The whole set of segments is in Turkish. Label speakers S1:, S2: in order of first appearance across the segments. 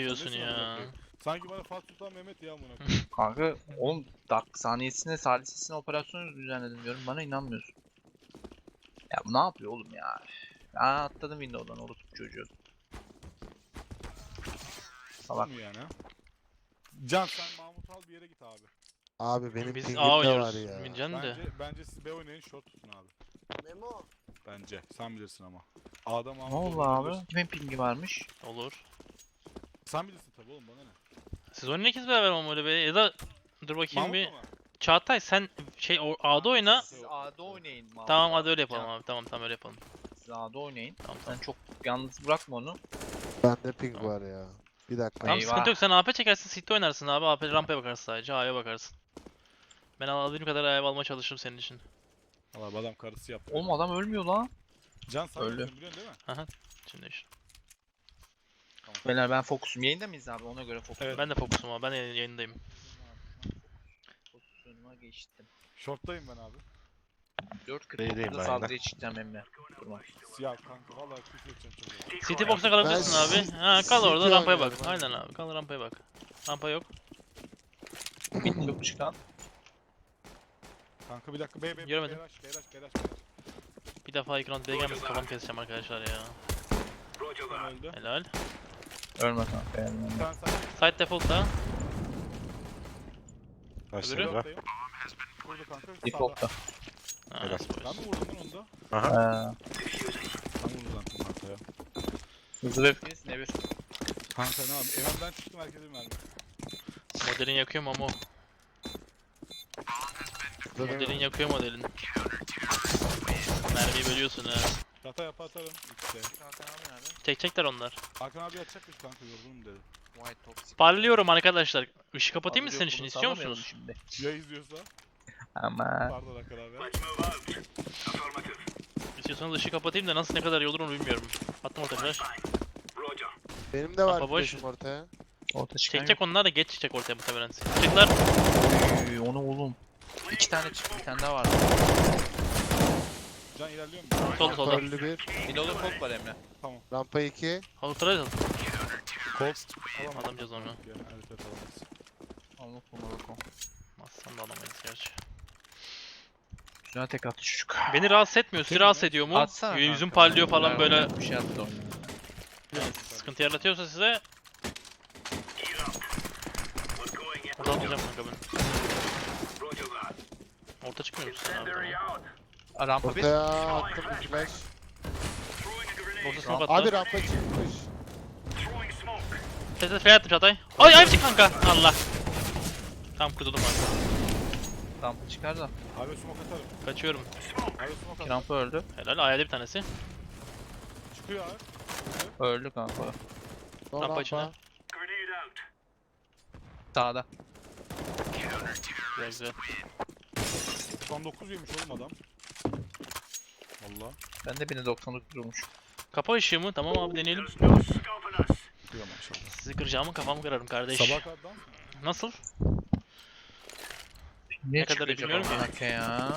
S1: diyorsun
S2: nesin
S1: ya?
S2: amına koyayım? Sanki bana Fatih Sultan Mehmet ya amına koyayım.
S3: Kanka oğlum saniyesine salisesine operasyon düzenledim diyorum bana inanmıyorsun. Ya bu ne yapıyor oğlum ya? Aa atladım Windows'dan orospu çocuğu. Salak.
S2: Bu mu yani ha? Can sen Mahmut al bir yere git abi.
S4: Abi benim
S1: Biz
S4: pingim
S1: A
S4: de
S1: oynuyoruz.
S4: var ya.
S1: Bileceksin de.
S2: Bence siz B oynayın short tutun abi.
S4: Memo.
S2: Bence. Sen bilirsin ama. A'da Mahmut
S3: Ne oldu
S2: olabilir.
S3: abi? Kimin pingi varmış?
S1: Olur.
S2: Sen bilirsin tabii oğlum bana ne.
S1: Siz oynayın ikiniz beraber ama öyle be. Ya da dur bakayım bir.
S2: Mahmut mu?
S1: Çağatay sen A'da oyna.
S3: Siz A'da oynayın. Mahmut
S1: Tamam
S3: abi.
S1: hadi öyle yapalım
S3: Can,
S1: abi. Tamam öyle yapalım.
S3: Siz A'da oynayın.
S1: Tamam
S3: Sen
S1: tamam.
S3: çok yalnız bırakma onu.
S4: Bende ping var ya. Bir dakika.
S1: Tamam
S3: Eyvah.
S1: sıkıntı yok, sen AP çekersin, City oynarsın abi. AP rampaya bakarsın sadece, A'ya bakarsın. Ben alabildiğim kadar A'ya almaya çalışırım senin için.
S2: Valla bu adam karısı yaptı.
S3: Oğlum adam ölmüyor lan.
S2: Can sen
S3: Öyle.
S2: biliyorsun değil mi?
S1: Şimdi işte.
S3: Beyler ben fokusum. Yayında mıyız abi? Ona göre fokus.
S2: Evet.
S1: Ben de fokusum abi, ben yayındayım.
S3: Pozisyonuma geçtim.
S2: Short'tayım ben abi.
S3: 4.49'da
S5: ben
S3: saldırıya çıkacağım Emre. Durma.
S2: Siyah kanka valla küfür edeceğim çocuğa.
S1: City box'a kalabilirsin
S4: Ben
S1: abi. Ha kal orada,
S4: City
S1: rampaya bak.
S4: oynuyorum
S1: Aynen abi, kal rampaya bak. Rampa yok.
S3: Mid yok çıkan.
S2: Kanka bir dakika B
S1: Göremedim.
S2: Beyraş.
S1: Bir defa ilk round B'ye gelmesin, kafam keseceğim arkadaşlar ya.
S2: Sen öldü.
S1: Helal.
S3: Ölme kanka. Ölme.
S2: Sen
S1: Side default da.
S5: Başladı.
S2: Short'tayım. Vurdu kanka. Sağda.
S3: Default'ta.
S1: Ha,
S5: Helal.
S1: süper.
S2: Ben mi vurdum lan onu da?
S5: Aha.
S2: Ben vurdum lan kanka ya.
S3: Hızlı ve öfkeniz ne bir?
S2: Kanka ne yapayım? Evimden çıktım herkese bir mermi.
S1: Modelin yakıyor mu ama o? Modelin yakıyor modelin. Mermiyi bölüyorsun ha.
S2: Yata yapa atarım. İşte.
S1: Çekecekler onlar.
S2: Hakan abi atacakmış kanka yorgunum dedi.
S3: White toxic.
S1: Parlıyorum arkadaşlar. Işık kapatayım mı
S3: Abi
S1: senin
S3: yok,
S1: için?
S3: bunu
S1: İstiyor
S3: sallamayalım
S1: musunuz?
S3: Şimdi.
S2: Ya izliyorsa?
S3: Ama
S2: Pardon Hakan abi.
S1: İstiyorsanız ışığı kapatayım da nasıl, ne kadar iyi olur onu bilmiyorum. Attım orta flash.
S4: Benim de var
S1: Kafa boş.
S4: flash'im ortaya.
S3: orta çıkan
S1: Çekecek onlar da geç çıkacak ortaya muhtemelen. Çıkacaklar.
S3: yok. Oy, onu oğlum. 2 tane çıktı, bir tane daha var.
S2: Can ilerliyor mu?
S1: Solda solda.
S4: Öldü bir.
S3: Bir de kod var Emre.
S4: Rampa 2.
S1: Halıtara
S2: Colt.
S1: alamayacağız onu.
S2: Evet alamayız.
S3: Allah Allah.
S1: Aslan da alamayız gerçi.
S3: Güzel tek attı çocuk.
S1: Beni rahatsız etmiyor. Sizi rahatsız ediyor mu?
S3: Atsana
S1: Yüzüm
S3: kanka.
S1: parlıyor falan böyle.
S3: Bir şey attı oyuna.
S1: Yani sıkıntı yaratıyorsa size. Orada atacağım kanka ben. Orta çıkmıyor musun sen abi?
S3: Aa, rampa bir.
S4: Ortaya attım bir flash.
S1: Orta smoke
S4: Abi
S1: attı.
S4: rampa çıkmış.
S1: Sese fake attım Çağatay. Ay ay çık kanka. Allah. Tam kurtuldum abi.
S3: Rampa çıkar da.
S2: Abi smoke atarım.
S1: Kaçıyorum.
S2: Abi smoke atarım.
S3: Rampa öldü.
S1: Helal. Ayağda bir tanesi.
S2: Çıkıyor abi.
S3: Öldü kanka.
S4: Son
S1: Rampa içine.
S3: Sağda.
S1: Güzel güzel.
S2: 99 yemiş oğlum adam. Valla.
S3: Ben de beni 99 vurmuş.
S1: Kapa ışığı mı? Tamam abi deneyelim.
S2: Çıkıyor maşallah.
S1: Sizi kıracağımı kafamı kırarım kardeş.
S2: Sabah kadar dans mı?
S1: Nasıl?
S3: Ne
S1: kadar
S3: çıkacak
S1: bilmiyorum ki.
S3: amına koyayım ya.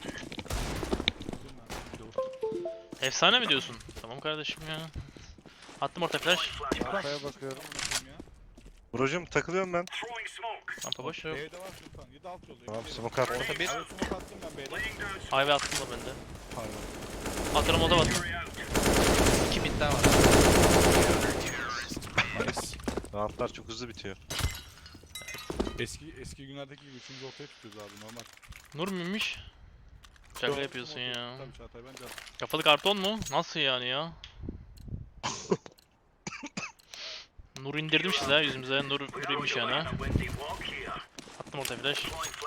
S1: Efsane mi diyorsun? Tamam kardeşim ya. Attım orta flash.
S4: Rampaya bakıyorum.
S5: Brocum takılıyorum ben.
S1: Rampa boş.
S2: B'de var Sultan. 7 alt yolda.
S5: Tamam smoke attım.
S3: Orta bir.
S2: Abi smoke attım ben B'de.
S1: Ayve attım da bende.
S2: Pardon.
S1: Atarım o da var.
S3: 2 mid daha var.
S2: Nice.
S5: Roundlar çok hızlı bitiyor.
S2: Eski günlerdeki gibi 3. ortaya tutuyoruz abi normal.
S1: Nur muymuş? Şaka yapıyorsun ya.
S2: Tabii Çağatay bence.
S1: Kafalı karton mu? Nasıl yani ya? Nur indirdim size yüzümüze. Nur inmiş yani ha. Attım orta flash.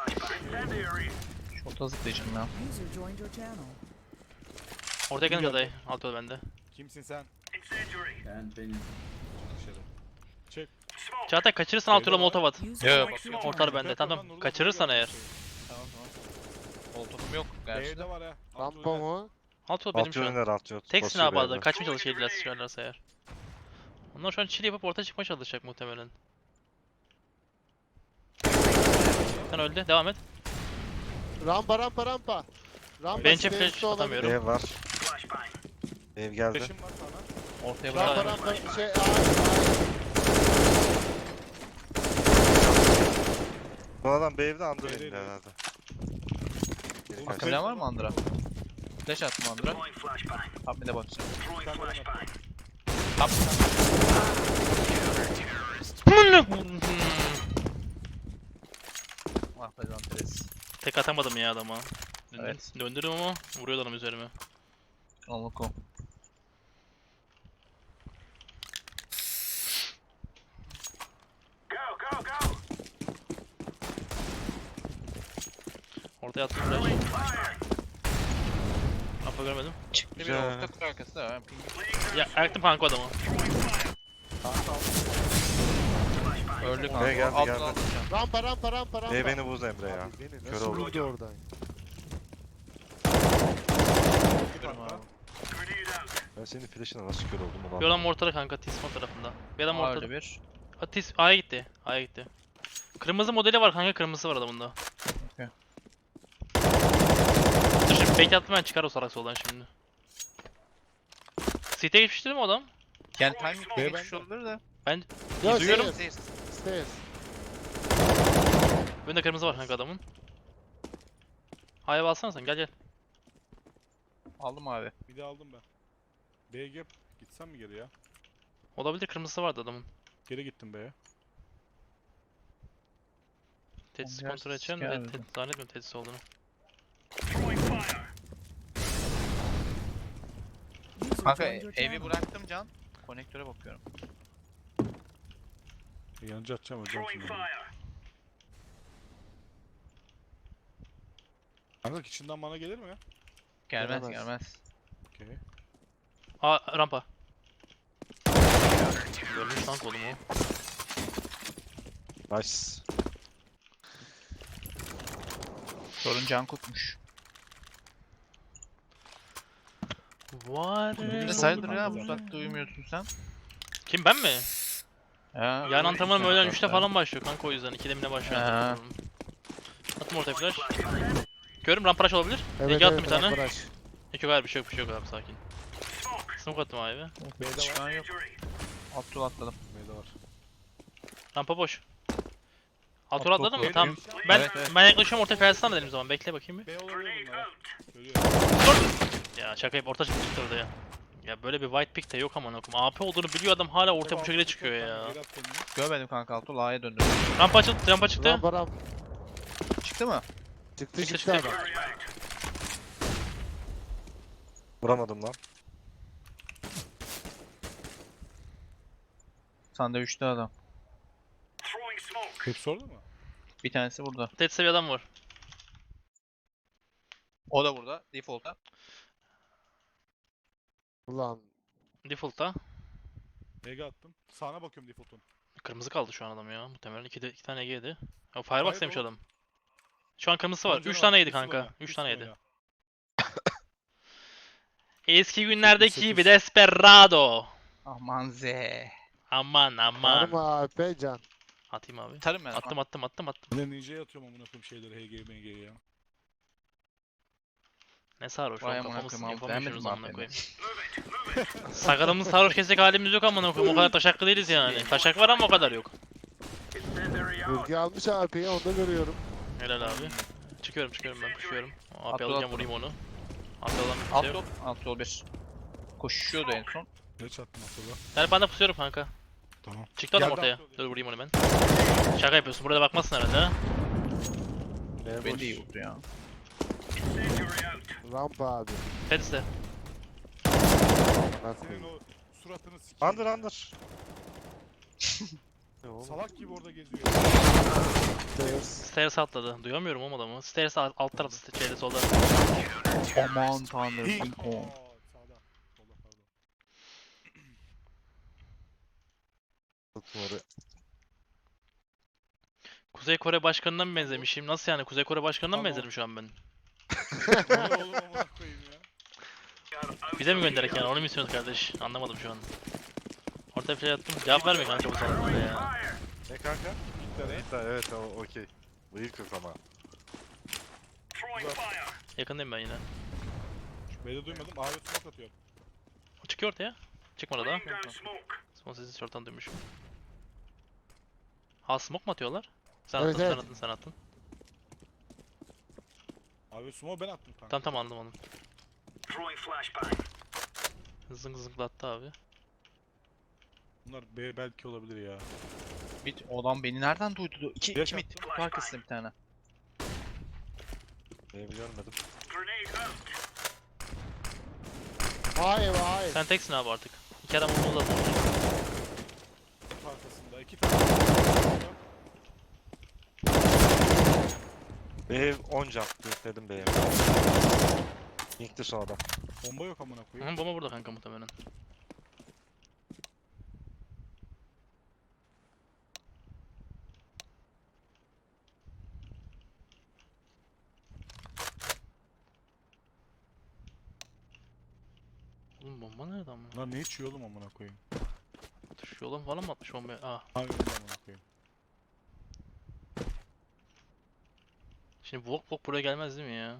S3: Şorta zıplayacağım ya.
S6: User joined your channel.
S1: Ortaya gelin adayı. Alt yol bende.
S2: Kimsin sen?
S7: Ben benim.
S2: Dışarı.
S1: Çağatay kaçırırsan alt yola molotov at.
S6: User
S3: Yo,
S6: left
S3: bak,
S6: your
S1: Ortar
S6: channel.
S1: bende. Tamam tamam. Kaçırırsan eğer.
S3: Tamam tamam. Koltuğum yok gerçi.
S2: B'de var ha.
S4: Rampa mı?
S1: Alt yol benim
S5: Alt
S1: şu an.
S5: yönler alt yol.
S1: Teksin
S5: Basıyor
S1: abi adada.
S5: beyler.
S1: Kaçmaya çalışıyorlar sıçrarlarsa eğer. Onlar şu an chill yapıp orta çıkmaya çalışacak muhtemelen. Sen öldü. Devam et.
S4: Rampa. Rampa
S1: Bench'e
S4: stairs'te
S1: flash
S4: olabilir.
S1: atamıyorum.
S5: Ev var. Ev geldi.
S2: Peşim var sana.
S3: Ortaya
S4: Rampa
S3: bırak.
S4: rampa şey. Aa,
S5: Bu adam bir evde under
S2: B'deydi.
S5: indi herhalde. Geri
S2: Oğlum,
S5: kaçtı.
S3: Akabilen var mı Andra? Flash attım Andra. Top mid'e bakacağım.
S2: Bir tane ben attım.
S3: Top Ah be Zanteres.
S1: Tek atamadım ya adama.
S3: Evet.
S1: Döndürdüm ama vuruyor adam üzerime.
S3: Onluko.
S1: Ortaya attım flash. Apa görmedim.
S3: Çıktı bir
S5: Güzel.
S3: orta kutu arkası da. Ben ping-
S1: Ya yaktım kanka adamı.
S3: Öldü
S5: Geldi,
S3: kanka.
S5: geldi,
S3: Altına
S5: geldi.
S3: atacağım.
S4: Rampa rampa rampa rampa.
S5: E beni buz Emre ya.
S2: Abi beni
S5: Kör
S4: Nasıl
S5: oldu.
S4: vurdu oradan?
S3: Bakıyorum abi.
S5: Ben senin flash'ına nasıl kör oldum ulan?
S1: Bir adam ortada kanka T-spawn tarafında. Bir adam
S3: Aa,
S1: ortada.
S3: öyle bir.
S1: A'ya gitti. A'ya gitti. Kırmızı modeli var kanka, kırmızısı var adamında.
S3: Okey.
S1: Dur şimdi fake attım ben, çıkar o salak soldan şimdi. CT'ye geçmişti değil mi o adam?
S3: Yani timing
S2: B
S3: geçmiş
S2: bende.
S3: olabilir de.
S1: Ben
S4: Yok
S1: duyuyorum.
S4: stairs. Stairs.
S1: Önünde kırmızı var kanka adamın. A'ya alsana sen, gel gel.
S3: Aldım abi.
S2: Bir de aldım ben. B'ye gap. Gitsem mi geri ya?
S1: Olabilir, kırmızısı vardı adamın.
S2: Geri gittim B'ye.
S1: Tesis
S3: Biraz
S1: kontrol edeceğim
S3: siker
S1: de
S3: dedim.
S1: zannetmiyorum tesis olduğunu.
S3: Kanka evi bıraktım Can. Konektöre bakıyorum.
S2: Yanıcı atacağım hocam şimdi. Kanka içinden bana gelir mi?
S3: Gelmez
S4: Gelemez.
S3: gelmez.
S2: Okey.
S1: Aa, rampa. Görmüş lan kolumu.
S5: Nice.
S3: Sorun Can Kut'muş.
S1: Var.
S3: Ne
S2: oldu
S3: sayılır
S2: kanka
S3: ya bu
S2: zaten?
S3: saatte uyumuyorsun sen?
S1: Kim, ben mi?
S3: Ya.
S1: Yarın antrenmanım öğlen 3'te
S3: Ben-
S1: falan başlıyor kanka, o yüzden 2'de mi ne başlıyor
S3: Ha.
S1: antrenmanım. Attım ortaya flash. Görüm ramparaş olabilir.
S4: Evet
S1: Ege attım
S4: evet
S1: bir tane.
S4: rampa rush.
S1: Yok yok, hayır, bir şey yok, bir şey yok abi, sakin. Smoke attım abi.
S2: B'de var.
S3: Çıkan yok. Alt yol atladım.
S2: B'de var.
S1: Rampa boş. Alt
S3: Alt
S1: yol atladın
S3: yol
S1: mı? Tamam.
S3: atladım.
S1: Ben
S3: Evet, evet.
S1: ben yaklaşıyorum ortaya, felsene dedim o zaman. Bekle bakayım bir.
S2: B olabilir bunlar. Görüyorum.
S1: Ya şaka yapıp orta çıktı orada ya. Ya böyle bir white pick de yok aman okum. AP olduğunu biliyor adam, hala ortaya bu şekilde çıkıyor ya.
S2: Geri at kendini.
S3: Görmedim kanka alt yol A'ya döndüm.
S1: Rampa açıldı, rampa çıktı.
S4: Rampa rampa.
S3: Çıktı mı?
S4: Çıktı
S1: Çıktı,
S4: çıktı
S1: çıktı.
S4: adam.
S5: Vuramadım lan.
S3: Sandviçte adam.
S2: Hepsi orada mı?
S3: Bir tanesi burada.
S1: Tet seviye adam var.
S3: O da burada. Default'ta.
S4: Ulan.
S1: Default'ta.
S2: B'ye attım. Sağına bakıyorum default'un.
S1: Kırmızı kaldı şu an adam ya. Muhtemelen iki tane yedi. Ya Firebox
S2: Hayır,
S1: demiş
S2: o-
S1: adam. Şu an kırmızısı var.
S2: Bence
S1: 3
S2: o
S1: tane yedi
S2: üstüne
S1: kanka.
S2: oyna,
S1: 3
S2: üstüne
S1: tane yedi.
S2: oyna.
S1: Eski günlerdeki
S2: 8.
S1: gibi Desperado.
S3: Aman ze.
S1: Aman
S4: Var
S1: aman.
S4: mı AP can?
S1: Atayım abi.
S3: Tarım ben.
S1: Attım.
S2: Ben de ninja'ya atıyorum amına koyayım şeyleri HG MG ya.
S1: Ne sarhoş
S3: Vay
S1: oğlum,
S3: amına
S1: kafamız
S3: koyayım abi,
S1: yapamıyoruz
S3: beğenmedim
S1: amına
S3: abi
S1: koyayım. Sakalımız sarhoş kesecek halimiz yok amına koyayım. O kadar taşaklı değiliz yani. Taşak var ama o kadar yok.
S4: Ülke almış AP'yi onu da görüyorum.
S1: Helal abi. Çıkıyorum ben, koşuyorum. AP
S3: Atla,
S1: alacağım,
S3: atla.
S1: vurayım onu. AP alan bir
S3: Alt
S1: şey yok.
S3: yol. Alt yol 1. Koşuyordu en son.
S2: Ne çattım akıllı.
S1: Ben de pusuyorum kanka.
S2: Tamam.
S1: Çıktı adam
S2: Geldi
S1: ortaya.
S2: atıyor.
S1: Dur vurayım onu ben. Şaka yapıyorsun, burada bakmazsın herhalde ha.
S4: B
S3: Beni
S4: boş.
S3: de iyi vurdu ya.
S4: Rampa abi.
S1: Fedis de.
S4: Bana
S2: Senin
S4: koyayım.
S2: o suratını sikeyim.
S5: Under. Ne oğlum?
S2: Salak gibi orada geziyor.
S4: Stairs.
S1: Stairs atladı. Duyamıyorum oğlum adamı. Stairs alt tarafı, şeyde solda.
S3: Aman tanrım. Ping pong.
S2: Aa, sağda. Solda pardon.
S5: Tuttum oraya.
S1: Kuzey Kore başkanına mı benzemişim? Nasıl yani? Kuzey Kore başkanına mı
S2: Tamam.
S1: benzedim şu an ben?
S2: O ne oğlum amına koyayım ya.
S1: Bize mi gönderek yani? Onu mu istiyorsunuz kardeş? Anlamadım şu an. Ortaya flash attım. Cevap vermiyor kanka bu salaklara ya.
S5: Ne kanka?
S2: Gitti
S5: Hatta evet o okey. Bıyık yok ama.
S1: Yakındayım ben yine.
S2: B'de duymadım. A'ya smoke atıyor.
S1: O çıkıyor ortaya. Çıkmadı daha. Son sesi short'tan duymuşum. Ha, smoke mu atıyorlar? Sen
S4: Evet,
S1: attın,
S4: evet.
S1: sen attın, sen attın.
S2: Abi sumo ben attım kanka.
S1: Tamam tamam, anladım. Zıng zınglattı abi.
S2: Bunlar B belki olabilir ya.
S3: Bir adam beni nereden duydu? İki
S2: Flash
S3: mid.
S2: attım.
S3: Kutu arkasında bir tane.
S5: Benim görmedim.
S4: Hayır hayır.
S1: Sen teksin abi artık. İki adam onu da
S2: Kutu arkasında 2 tane.
S5: Bev 10 can. Dedim B'ye. Link'ti son adam.
S2: Bomba yok amına koyayım.
S1: Bomba burada kanka muhtemelen. Oğlum bomba nerede ama?
S2: Bunlar ne içiyor oğlum amına koyayım?
S1: Atış yola falan mı atmış bombaya? Ah.
S2: Abi amına koyayım.
S1: Şimdi Vok buraya gelmez değil mi ya?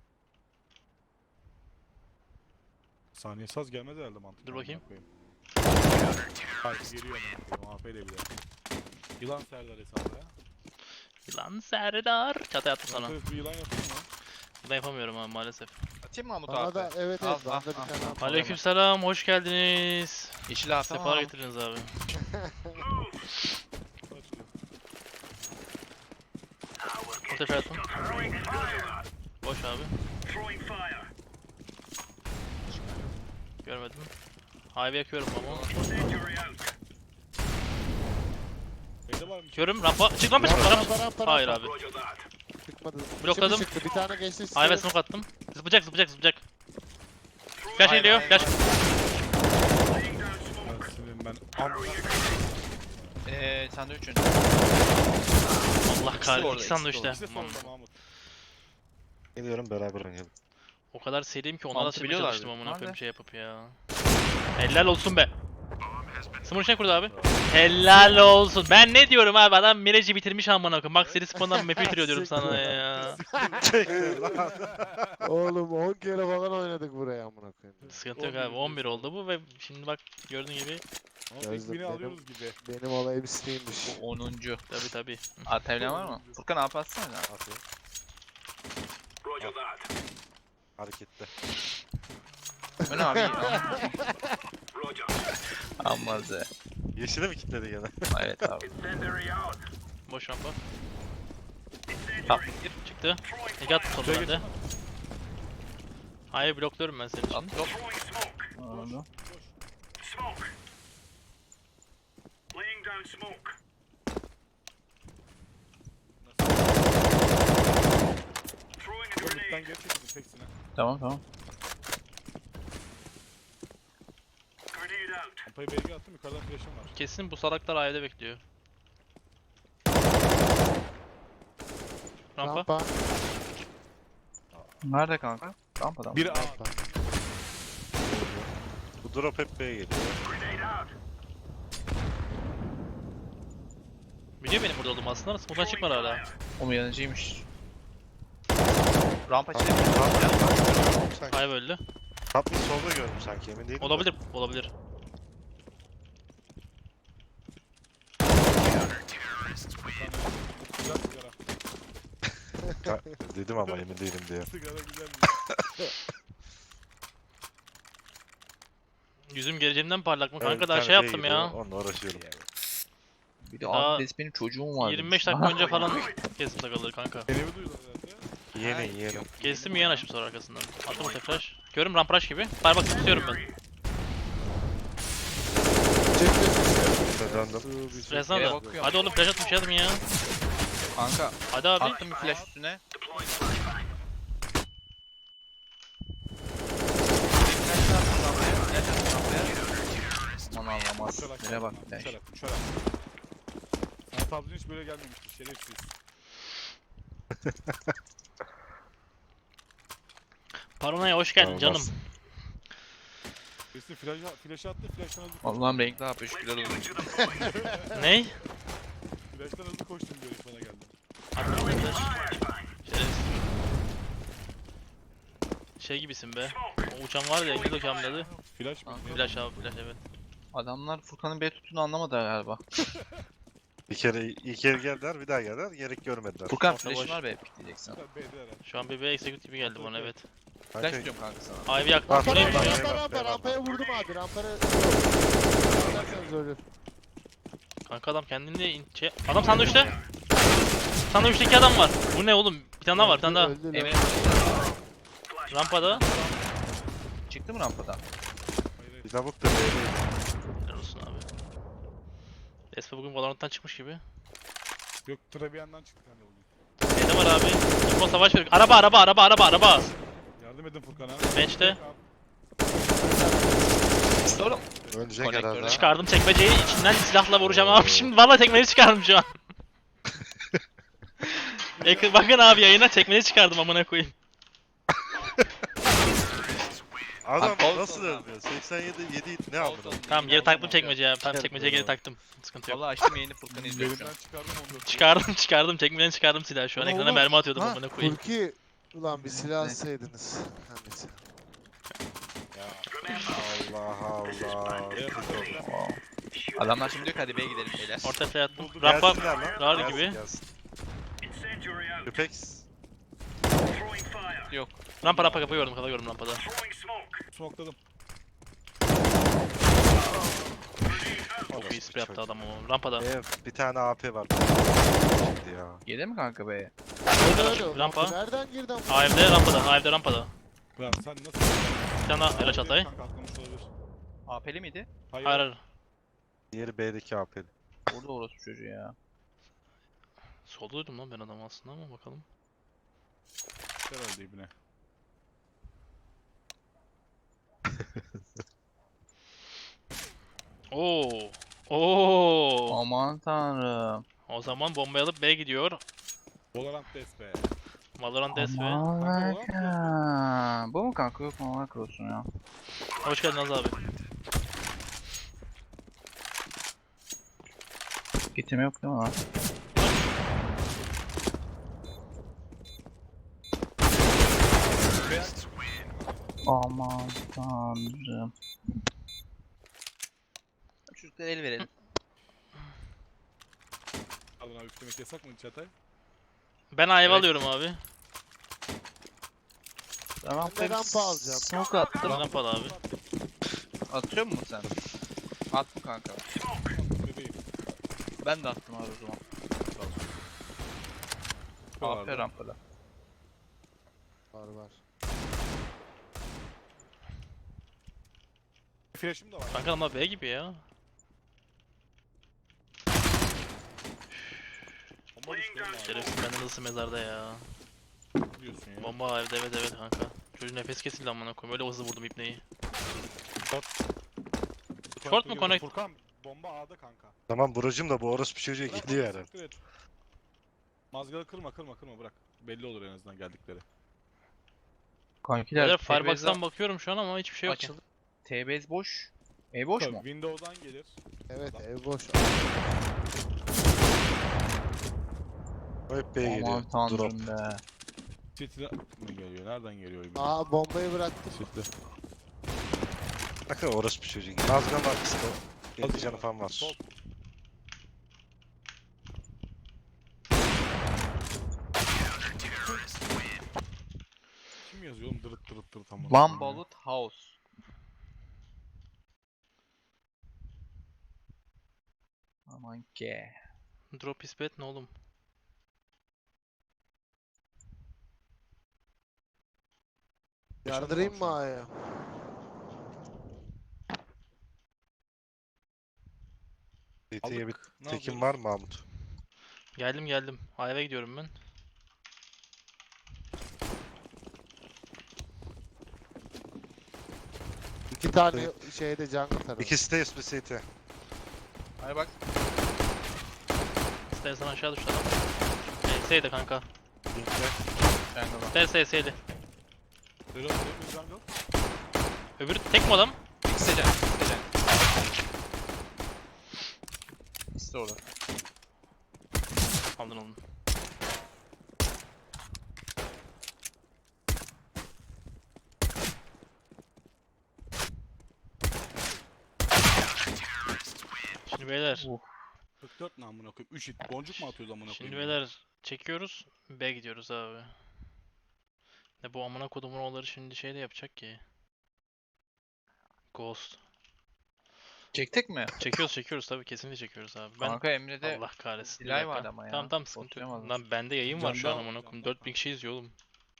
S2: Saniye saz gelmez herhalde mantıklı.
S1: Dur bakayım.
S2: amına koyayım. Hayır geliyor amına koyayım. AP ile bile. Yılan Serdar hesabı ya.
S1: Yılan Serdar. Çatay attım sana.
S2: Sana. Bir yılan yapayım mı?
S1: Ben yapamıyorum abi maalesef.
S3: Atayım mı Mahmut
S4: Bana
S3: abi?
S4: da evet
S3: Al,
S4: evet. Bana
S3: al,
S4: da bir
S3: al.
S4: tane at.
S1: Aleykümselam, hoş geldiniz.
S3: Yeşil abi
S1: Sefa
S3: tamam.
S1: getirdiniz abi.
S2: Açılıyor.
S1: O sefer attım. Boş abi. Görmedim. Highway yakıyorum ama.
S2: B'de var mı?
S1: Körüm, rampa. Çık rampa, çık rampa.
S4: Rampa.
S1: Hayır abi.
S4: Çıkmadı.
S1: Blokladım.
S4: Şimdi çıktı. Bir tane geçti.
S1: Highway smoke attım. Zıplayacak, zıplayacak, zıplayacak. Flash
S3: Hayır,
S1: geliyor,
S3: hayır,
S1: flash.
S2: Ben amına
S3: Sen de üçüncü.
S1: Allah kahretsin,
S3: orada,
S1: iki sandı
S3: ikisi
S1: işte.
S2: İkisi de
S1: Aman.
S2: solda Mahmut.
S5: Geliyorum beraber oynayalım.
S1: O kadar seriyim ki onlara
S3: Mantı
S1: silmeye
S3: biliyorlar
S1: çalıştım
S3: diyor.
S1: amına koyayım
S3: Nerede?
S1: şey yapıp ya. Helal olsun be. Smurf şey kurdu abi. Helal olsun. Ben ne diyorum abi, adam Mirage'i bitirmiş amına koyayım. Max seri spawn'dan map'i bitiriyor diyorum sana ya.
S4: Oğlum 10 kere falan oynadık buraya amına koyayım.
S1: Sıkıntı yok abi, 11 oldu bu ve şimdi bak gördüğün gibi
S2: Ama tek
S4: Gözlük
S2: bini
S4: benim.
S2: alıyoruz gibi.
S4: Benim olayım Steam'miş.
S3: 10.
S1: tabi tabi.
S3: Atevlen var mı? Furkan AP atsana ya.
S5: Atıyor. Harekette.
S3: Bu ne abi? Ammaze.
S5: Yeşile mi kilitledi gene?
S3: Evet abi.
S1: Boş rampa.
S3: Tamam.
S1: Çıktı. İki attı sonunda bende. Hayır, blokluyorum ben senin için.
S3: At yok. Anladım.
S2: Mid'den geri çekildim teksine.
S3: Tamam tamam.
S2: Rampayı B'ye attım yukarıdan flash'ım var.
S1: Kesin bu salaklar A'da bekliyor. Rampa.
S4: Rampa.
S3: Nerede kanka? Rampadan.
S2: Biri A.
S4: Rampa.
S5: Bu drop hep B'ye geliyor.
S1: Biliyor benim burada olduğumu aslında. Smoke'dan çıkmadı hala.
S3: O mu yanıcıymış? Rampa çelik.
S5: Sanki.
S1: Hayır öldü.
S5: Top mid solda gördüm sanki, emin değilim. de.
S1: Olabilir, olabilir.
S2: Güzel sigara.
S5: Dedim ama emin değilim diye.
S2: Sigara güzel.
S1: Yüzüm geleceğimden parlak mı?
S5: Evet,
S1: Kanka
S5: bir
S1: daha
S5: tane
S1: şey
S5: B
S1: yaptım
S5: geliyor,
S1: ya.
S5: Onunla uğraşıyorum.
S3: Bir de
S1: Daha
S3: abi benim çocuğum var.
S1: 25 dakika önce falan kestim sakalı kanka.
S2: Elimi duydular herhalde.
S5: Yeğenim.
S1: Kestim yiyen açtım sonra arkasından. Attım o flash. Görüm rampraş gibi. Bari bak tutuyorum ben.
S5: İşte döndüm.
S1: Resmen
S3: Yere
S1: da.
S3: bakıyorum.
S1: Hadi oğlum flash atmış yardım ya.
S3: Kanka
S1: Hadi abi.
S3: attım bir flash üstüne. Aman anlamaz.
S2: Uçarak
S3: Nereye bak
S2: geldim
S3: flash.
S2: abi, uçarak. Sana tabzin hiç böyle gelmemişti şerefsiz.
S1: Paranoya hoş geldin
S5: Olmaz.
S1: canım.
S2: Birisi flash'ı attı, flash'tan hızlı koştum.
S3: Allah'ım renkli AP şükürler olsun.
S1: Ney?
S2: Flash'tan hızlı koştum diyor bana geldi.
S1: Attım bir flash. Şerefsiz. Şey gibisin be. O uçan var ya, İngiliz uçağım dedi.
S2: Flash mı?
S3: Ah,
S2: Ne?
S1: Flash abi, flash evet.
S3: Adamlar Furkan'ın B tuttuğunu anlamadı galiba.
S5: İlk kere geldiler, bir daha geldiler, gerek görmediler.
S3: Furkan
S1: Orta
S3: flash'ın
S1: boş.
S3: var be pikleyeceksin.
S2: B'de herhalde.
S1: Şu an BB execute gibi geldi bana evet.
S3: Flash
S5: Kanka,
S3: diyorum kanka sana.
S1: Ivy yaktım.
S5: Bak,
S1: Bu neymiş ya?
S4: Rampaya vurdum abi. Rampaya Rampaya ölür.
S1: Kanka adam kendini Adam sandviçte. Sandviçteki adam var. Bu ne oğlum? Bir tane daha var, bir tane daha.
S4: Öldü lan.
S3: Emre
S1: Rampada.
S3: çıktı mı rampadan?
S2: Hayır.
S5: bir lavuk da B'deydi.
S1: Helal olsun abi. Espa bugün Valorant'tan çıkmış gibi.
S2: Yok Trabian'dan çıktı kanka bugün.
S1: Neyde var abi? Info savaş veriyor. Araba.
S2: Yardım edin Furkan'a.
S1: Bench'te.
S3: Oğlum.
S5: Ölecek
S3: Konektörü
S5: herhalde.
S1: Çıkardım çekmeceyi, içinden silahla vuracağım abi. Şimdi vallahi tekmeyi çıkardım şu an. Bakın abi yayına tekmeyi çıkardım amına koyayım.
S5: Adam
S3: Abi, Paulson
S5: nasıl
S3: abi.
S5: ölmüyor? 87 7 ne aldın?
S1: Tamam geri taktım çekmeceye abi. Tamam çekmeceye geri taktım. Sıkıntı yok.
S3: Vallahi açtım yayını Furkan'ı izliyorum şu an.
S2: Elimden çıkardım onu.
S1: Çıkardım çekmeden çıkardım silahı şu an.
S3: Ulan
S1: Ekrana
S3: oğlum.
S1: mermi atıyordum
S3: Ha,
S1: amına koyayım.
S4: Furki ulan bir silah alsaydınız. Annesi.
S5: Allah Allah.
S3: Adamlar şimdi diyor ki hadi B'ye gidelim beyler.
S1: Orta fay attım.
S2: Buldu,
S1: Rampa
S5: Gelsinler lan.
S1: rar
S5: gelsin,
S1: gibi.
S5: gelsin. Üpex.
S3: Yok.
S1: Rampa kafa gördüm, kafa gördüm rampada.
S2: Smokladım.
S1: Çok iyi spray yaptı adam ama. Rampada.
S5: Bir tane AP var. Ya.
S3: Gelir mi kanka B'ye?
S1: Rampa.
S4: Nereden girdin?
S1: AFD rampada, AFD rampada.
S2: Lan sen nasıl?
S1: Bir tane daha flash atay.
S2: Kanka atlamış olabilir.
S3: AP'li miydi?
S2: Hayır.
S1: Hayır.
S5: Diğeri B'deki AP'li.
S3: Orada orası çocuğu ya.
S1: Solda duydum lan ben adamı aslında ama bakalım.
S2: Herhalde ibne.
S1: Oo. Oo.
S3: Aman tanrım.
S1: O zaman bombayı alıp B gidiyor.
S2: Valorant DS be.
S1: Valorant DS ve.
S3: Aman tanrım. Bu mu kanka? Yok mu? Allah korusun ya.
S1: Hoş geldin Az abi.
S3: Getirme yok değil mi lan? Aman tanrım. Çocuklara el verelim.
S2: Alın abi üflemek yasak mı Çatay?
S1: Ben ayva
S3: Evet.
S1: alıyorum abi.
S3: Tamam.
S4: Ben de rampa alacağım.
S3: Smoke attım.
S1: Rampada abi.
S3: Atıyor musun sen? Attım kanka.
S2: Bebeğim.
S3: Ben de attım abi o zaman. AP
S2: Şuralarda.
S3: rampada.
S4: Var var.
S2: Flash'ım da var.
S1: Kanka ama B gibi ya.
S2: Bomba düştü oğlum abi.
S1: Şerefsiz benden hızlı mezarda ya.
S2: Ne diyorsun ya?
S1: Bomba evde evet kanka. Çocuğun nefes kesildi amına koyayım. Öyle hızlı vurdum ipneyi. Short mu, connect?
S2: Furkan bomba A'da kanka.
S5: Tamam Buracım da bu orospu çocuğa
S2: Bırak,
S5: gidiyor
S2: bırak,
S5: herhalde.
S2: siktir et. Mazgalı kırma bırak. Belli olur en azından geldikleri.
S3: Kankiler
S1: Beyler Firebox'tan bakıyorum şu an ama hiçbir şey yok.
S3: açıldı. T-base boş. E boş
S2: Tabii,
S3: mu?
S2: Windows'dan gelir.
S4: Evet ev boş.
S5: O hep B'ye geliyor.
S3: Aman
S5: Drop.
S3: tanrım be.
S2: City'den mi geliyor? Nereden geliyor? ibne?
S4: Aa bombayı bıraktım.
S2: City.
S5: Bakın orospu çocuğu. Nazgan var kısa. 50 canı falan var.
S2: Sol. Kim yazıyor oğlum dırıt tamam.
S3: One Bullet House. Aman ki.
S1: Drop is bad ne oğlum?
S4: Yardırayım mı A'ya?
S5: CT'ye bir
S2: Ne
S5: tekim
S2: yapıyoruz?
S5: var mı Mahmut?
S1: Geldim. Ayva gidiyorum ben.
S4: İki tane şeyde jungle tarafı.
S5: İkisi de SP CT.
S3: Hadi bak.
S1: İstersen aşağı düştü adam. SS'ydi kanka.
S5: Linkle.
S3: Jungle'a.
S1: SS'ydi.
S2: Reload, jungle.
S1: Öbürü tek mi adam?
S3: İkisi de. İkisi de orada.
S1: Aldın onu. Şimdi beyler.
S3: Uf.
S2: 44 ne amına koyayım? 3 hit. Boncuk mu atıyoruz amına koyayım?
S1: Şimdi beyler çekiyoruz. B gidiyoruz abi. Ne bu amına kodumun oğulları şimdi şey de yapacak ki. Ghost.
S3: Çektik mi?
S1: Çekiyoruz tabii kesinlikle çekiyoruz abi. Ben
S3: Kanka Emre'de
S1: Allah kahretsin. bir
S3: delay
S1: dakika.
S3: var ama ya.
S1: Tamam sıkıntı yok.
S3: Boşlayamadım.
S1: Lan bende yayın var şu an
S2: Canda-
S1: amına koyayım.
S2: canda
S1: 4000 kişi izliyor oğlum.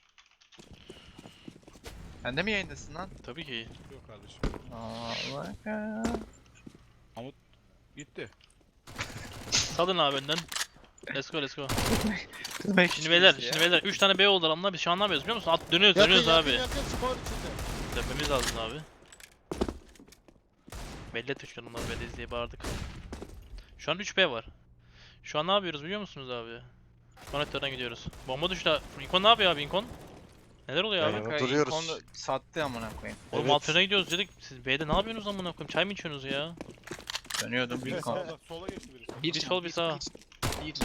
S3: Sen de mi yayındasın lan?
S1: Tabii ki.
S2: Yok kardeşim.
S3: Allah ya.
S2: Gitti.
S1: Salın abi önden. Let's go let's go.
S3: Kızmak
S1: Şimdi beyler 3 tane B oldu adamlar biz şu an ne yapıyoruz biliyor musun? Dönüyoruz abi.
S4: Yakın spor içinde.
S1: Dönmemiz lazım abi. Belli et 3 onlar belli diye bağırdık. Şu an 3B var. Şu an ne yapıyoruz biliyor musunuz abi? Konektörden gidiyoruz. Bomba düştü. Incon ne yapıyor abi Incon? Neler oluyor abi?
S5: Eyvah.
S3: Kanka
S5: Duruyoruz.
S3: Incon'da sattı amına koyayım.
S1: Oğlum
S5: Evet.
S1: alt yöne gidiyoruz dedik. Siz B'de ne yapıyorsunuz amına koyayım? Çay mı içiyorsunuz ya?
S3: Dönüyordum
S2: Biri
S3: Incon.
S2: sağda, sola geçti birisi.
S1: Bir sol bir sağ.
S3: Bir.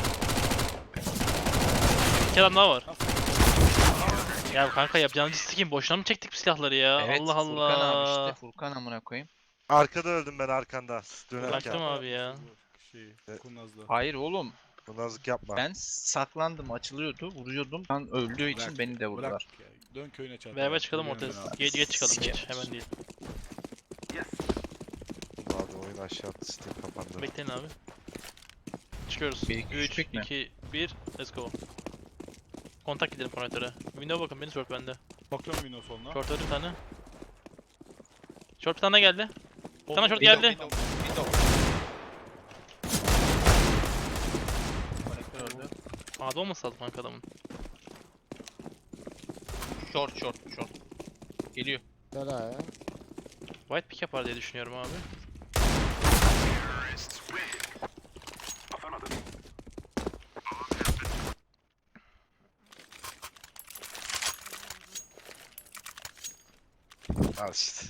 S1: Bir kere daha var. Ya kanka yapacağınız sikim boşuna mı çektik bu silahları ya?
S3: Evet,
S1: Allah
S3: Furkan abi
S1: Allah.
S3: işte. Furkan amına koyayım.
S5: Arkada öldüm ben arkanda.
S1: Bıraktım
S5: Dönerken.
S1: abi ya.
S2: Kurnazlı.
S3: Hayır oğlum.
S5: Bu nazlık yapma.
S3: Ben saklandım, açılıyordu, vuruyordum. Ben öldüğü için
S2: Bırak,
S3: beni de vurdular.
S2: Bırak ya. Dön köyüne çarp.
S1: Beraber çıkalım
S2: Biliyorum
S1: ortaya.
S2: ben abi.
S1: Geç çıkalım geç.
S3: Siker.
S1: Hemen değil.
S5: Abi oyun aşağı attı. Steam kapandı.
S1: Bekleyin abi. Çıkıyoruz.
S3: Bir, iki,
S1: 3,
S3: üç, mi?
S1: 2, 1, let's go. Kontak gidelim konektöre. Window bakın beni short bende.
S2: Bakıyorum Windows soluna.
S1: Short öldü bir tane. Short bir tane geldi. Bir tane short
S3: Window,
S1: geldi.
S3: window. Konektör öldü.
S1: A'da olması lazım kanka adamın.
S3: Short. Geliyor.
S4: Gel ha ya.
S1: White pick yapar diye düşünüyorum abi.
S5: Al işte.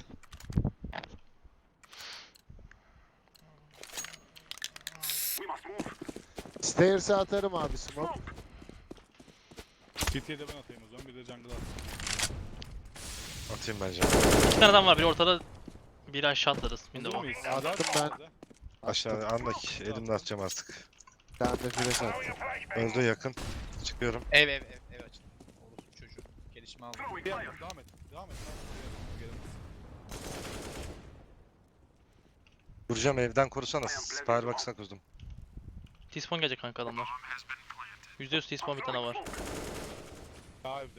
S4: Stairs'e atarım abi smoke.
S2: CT'ye de ben atayım o zaman. Bir de jungle at.
S5: Atayım bence.
S1: 2 tane adam var. Biri ortada. Biri aşağı atlarız.
S2: Hazır
S1: Window'a.
S2: mıyız?
S4: Attım ben.
S5: Aşağı anlak. Elimle atacağım artık.
S4: Ben de flash attım.
S5: Öldü yakın. Çıkıyorum.
S3: Ev açın. Orospu çocuğu. Gelişme aldı.
S2: Devam et. Gelemez.
S5: Vuracağım evden korusana. Firebox'ına kurdum.
S1: T-spawn gelecek kanka adamlar. %100 T-spawn bir tane var.
S2: Daha evde.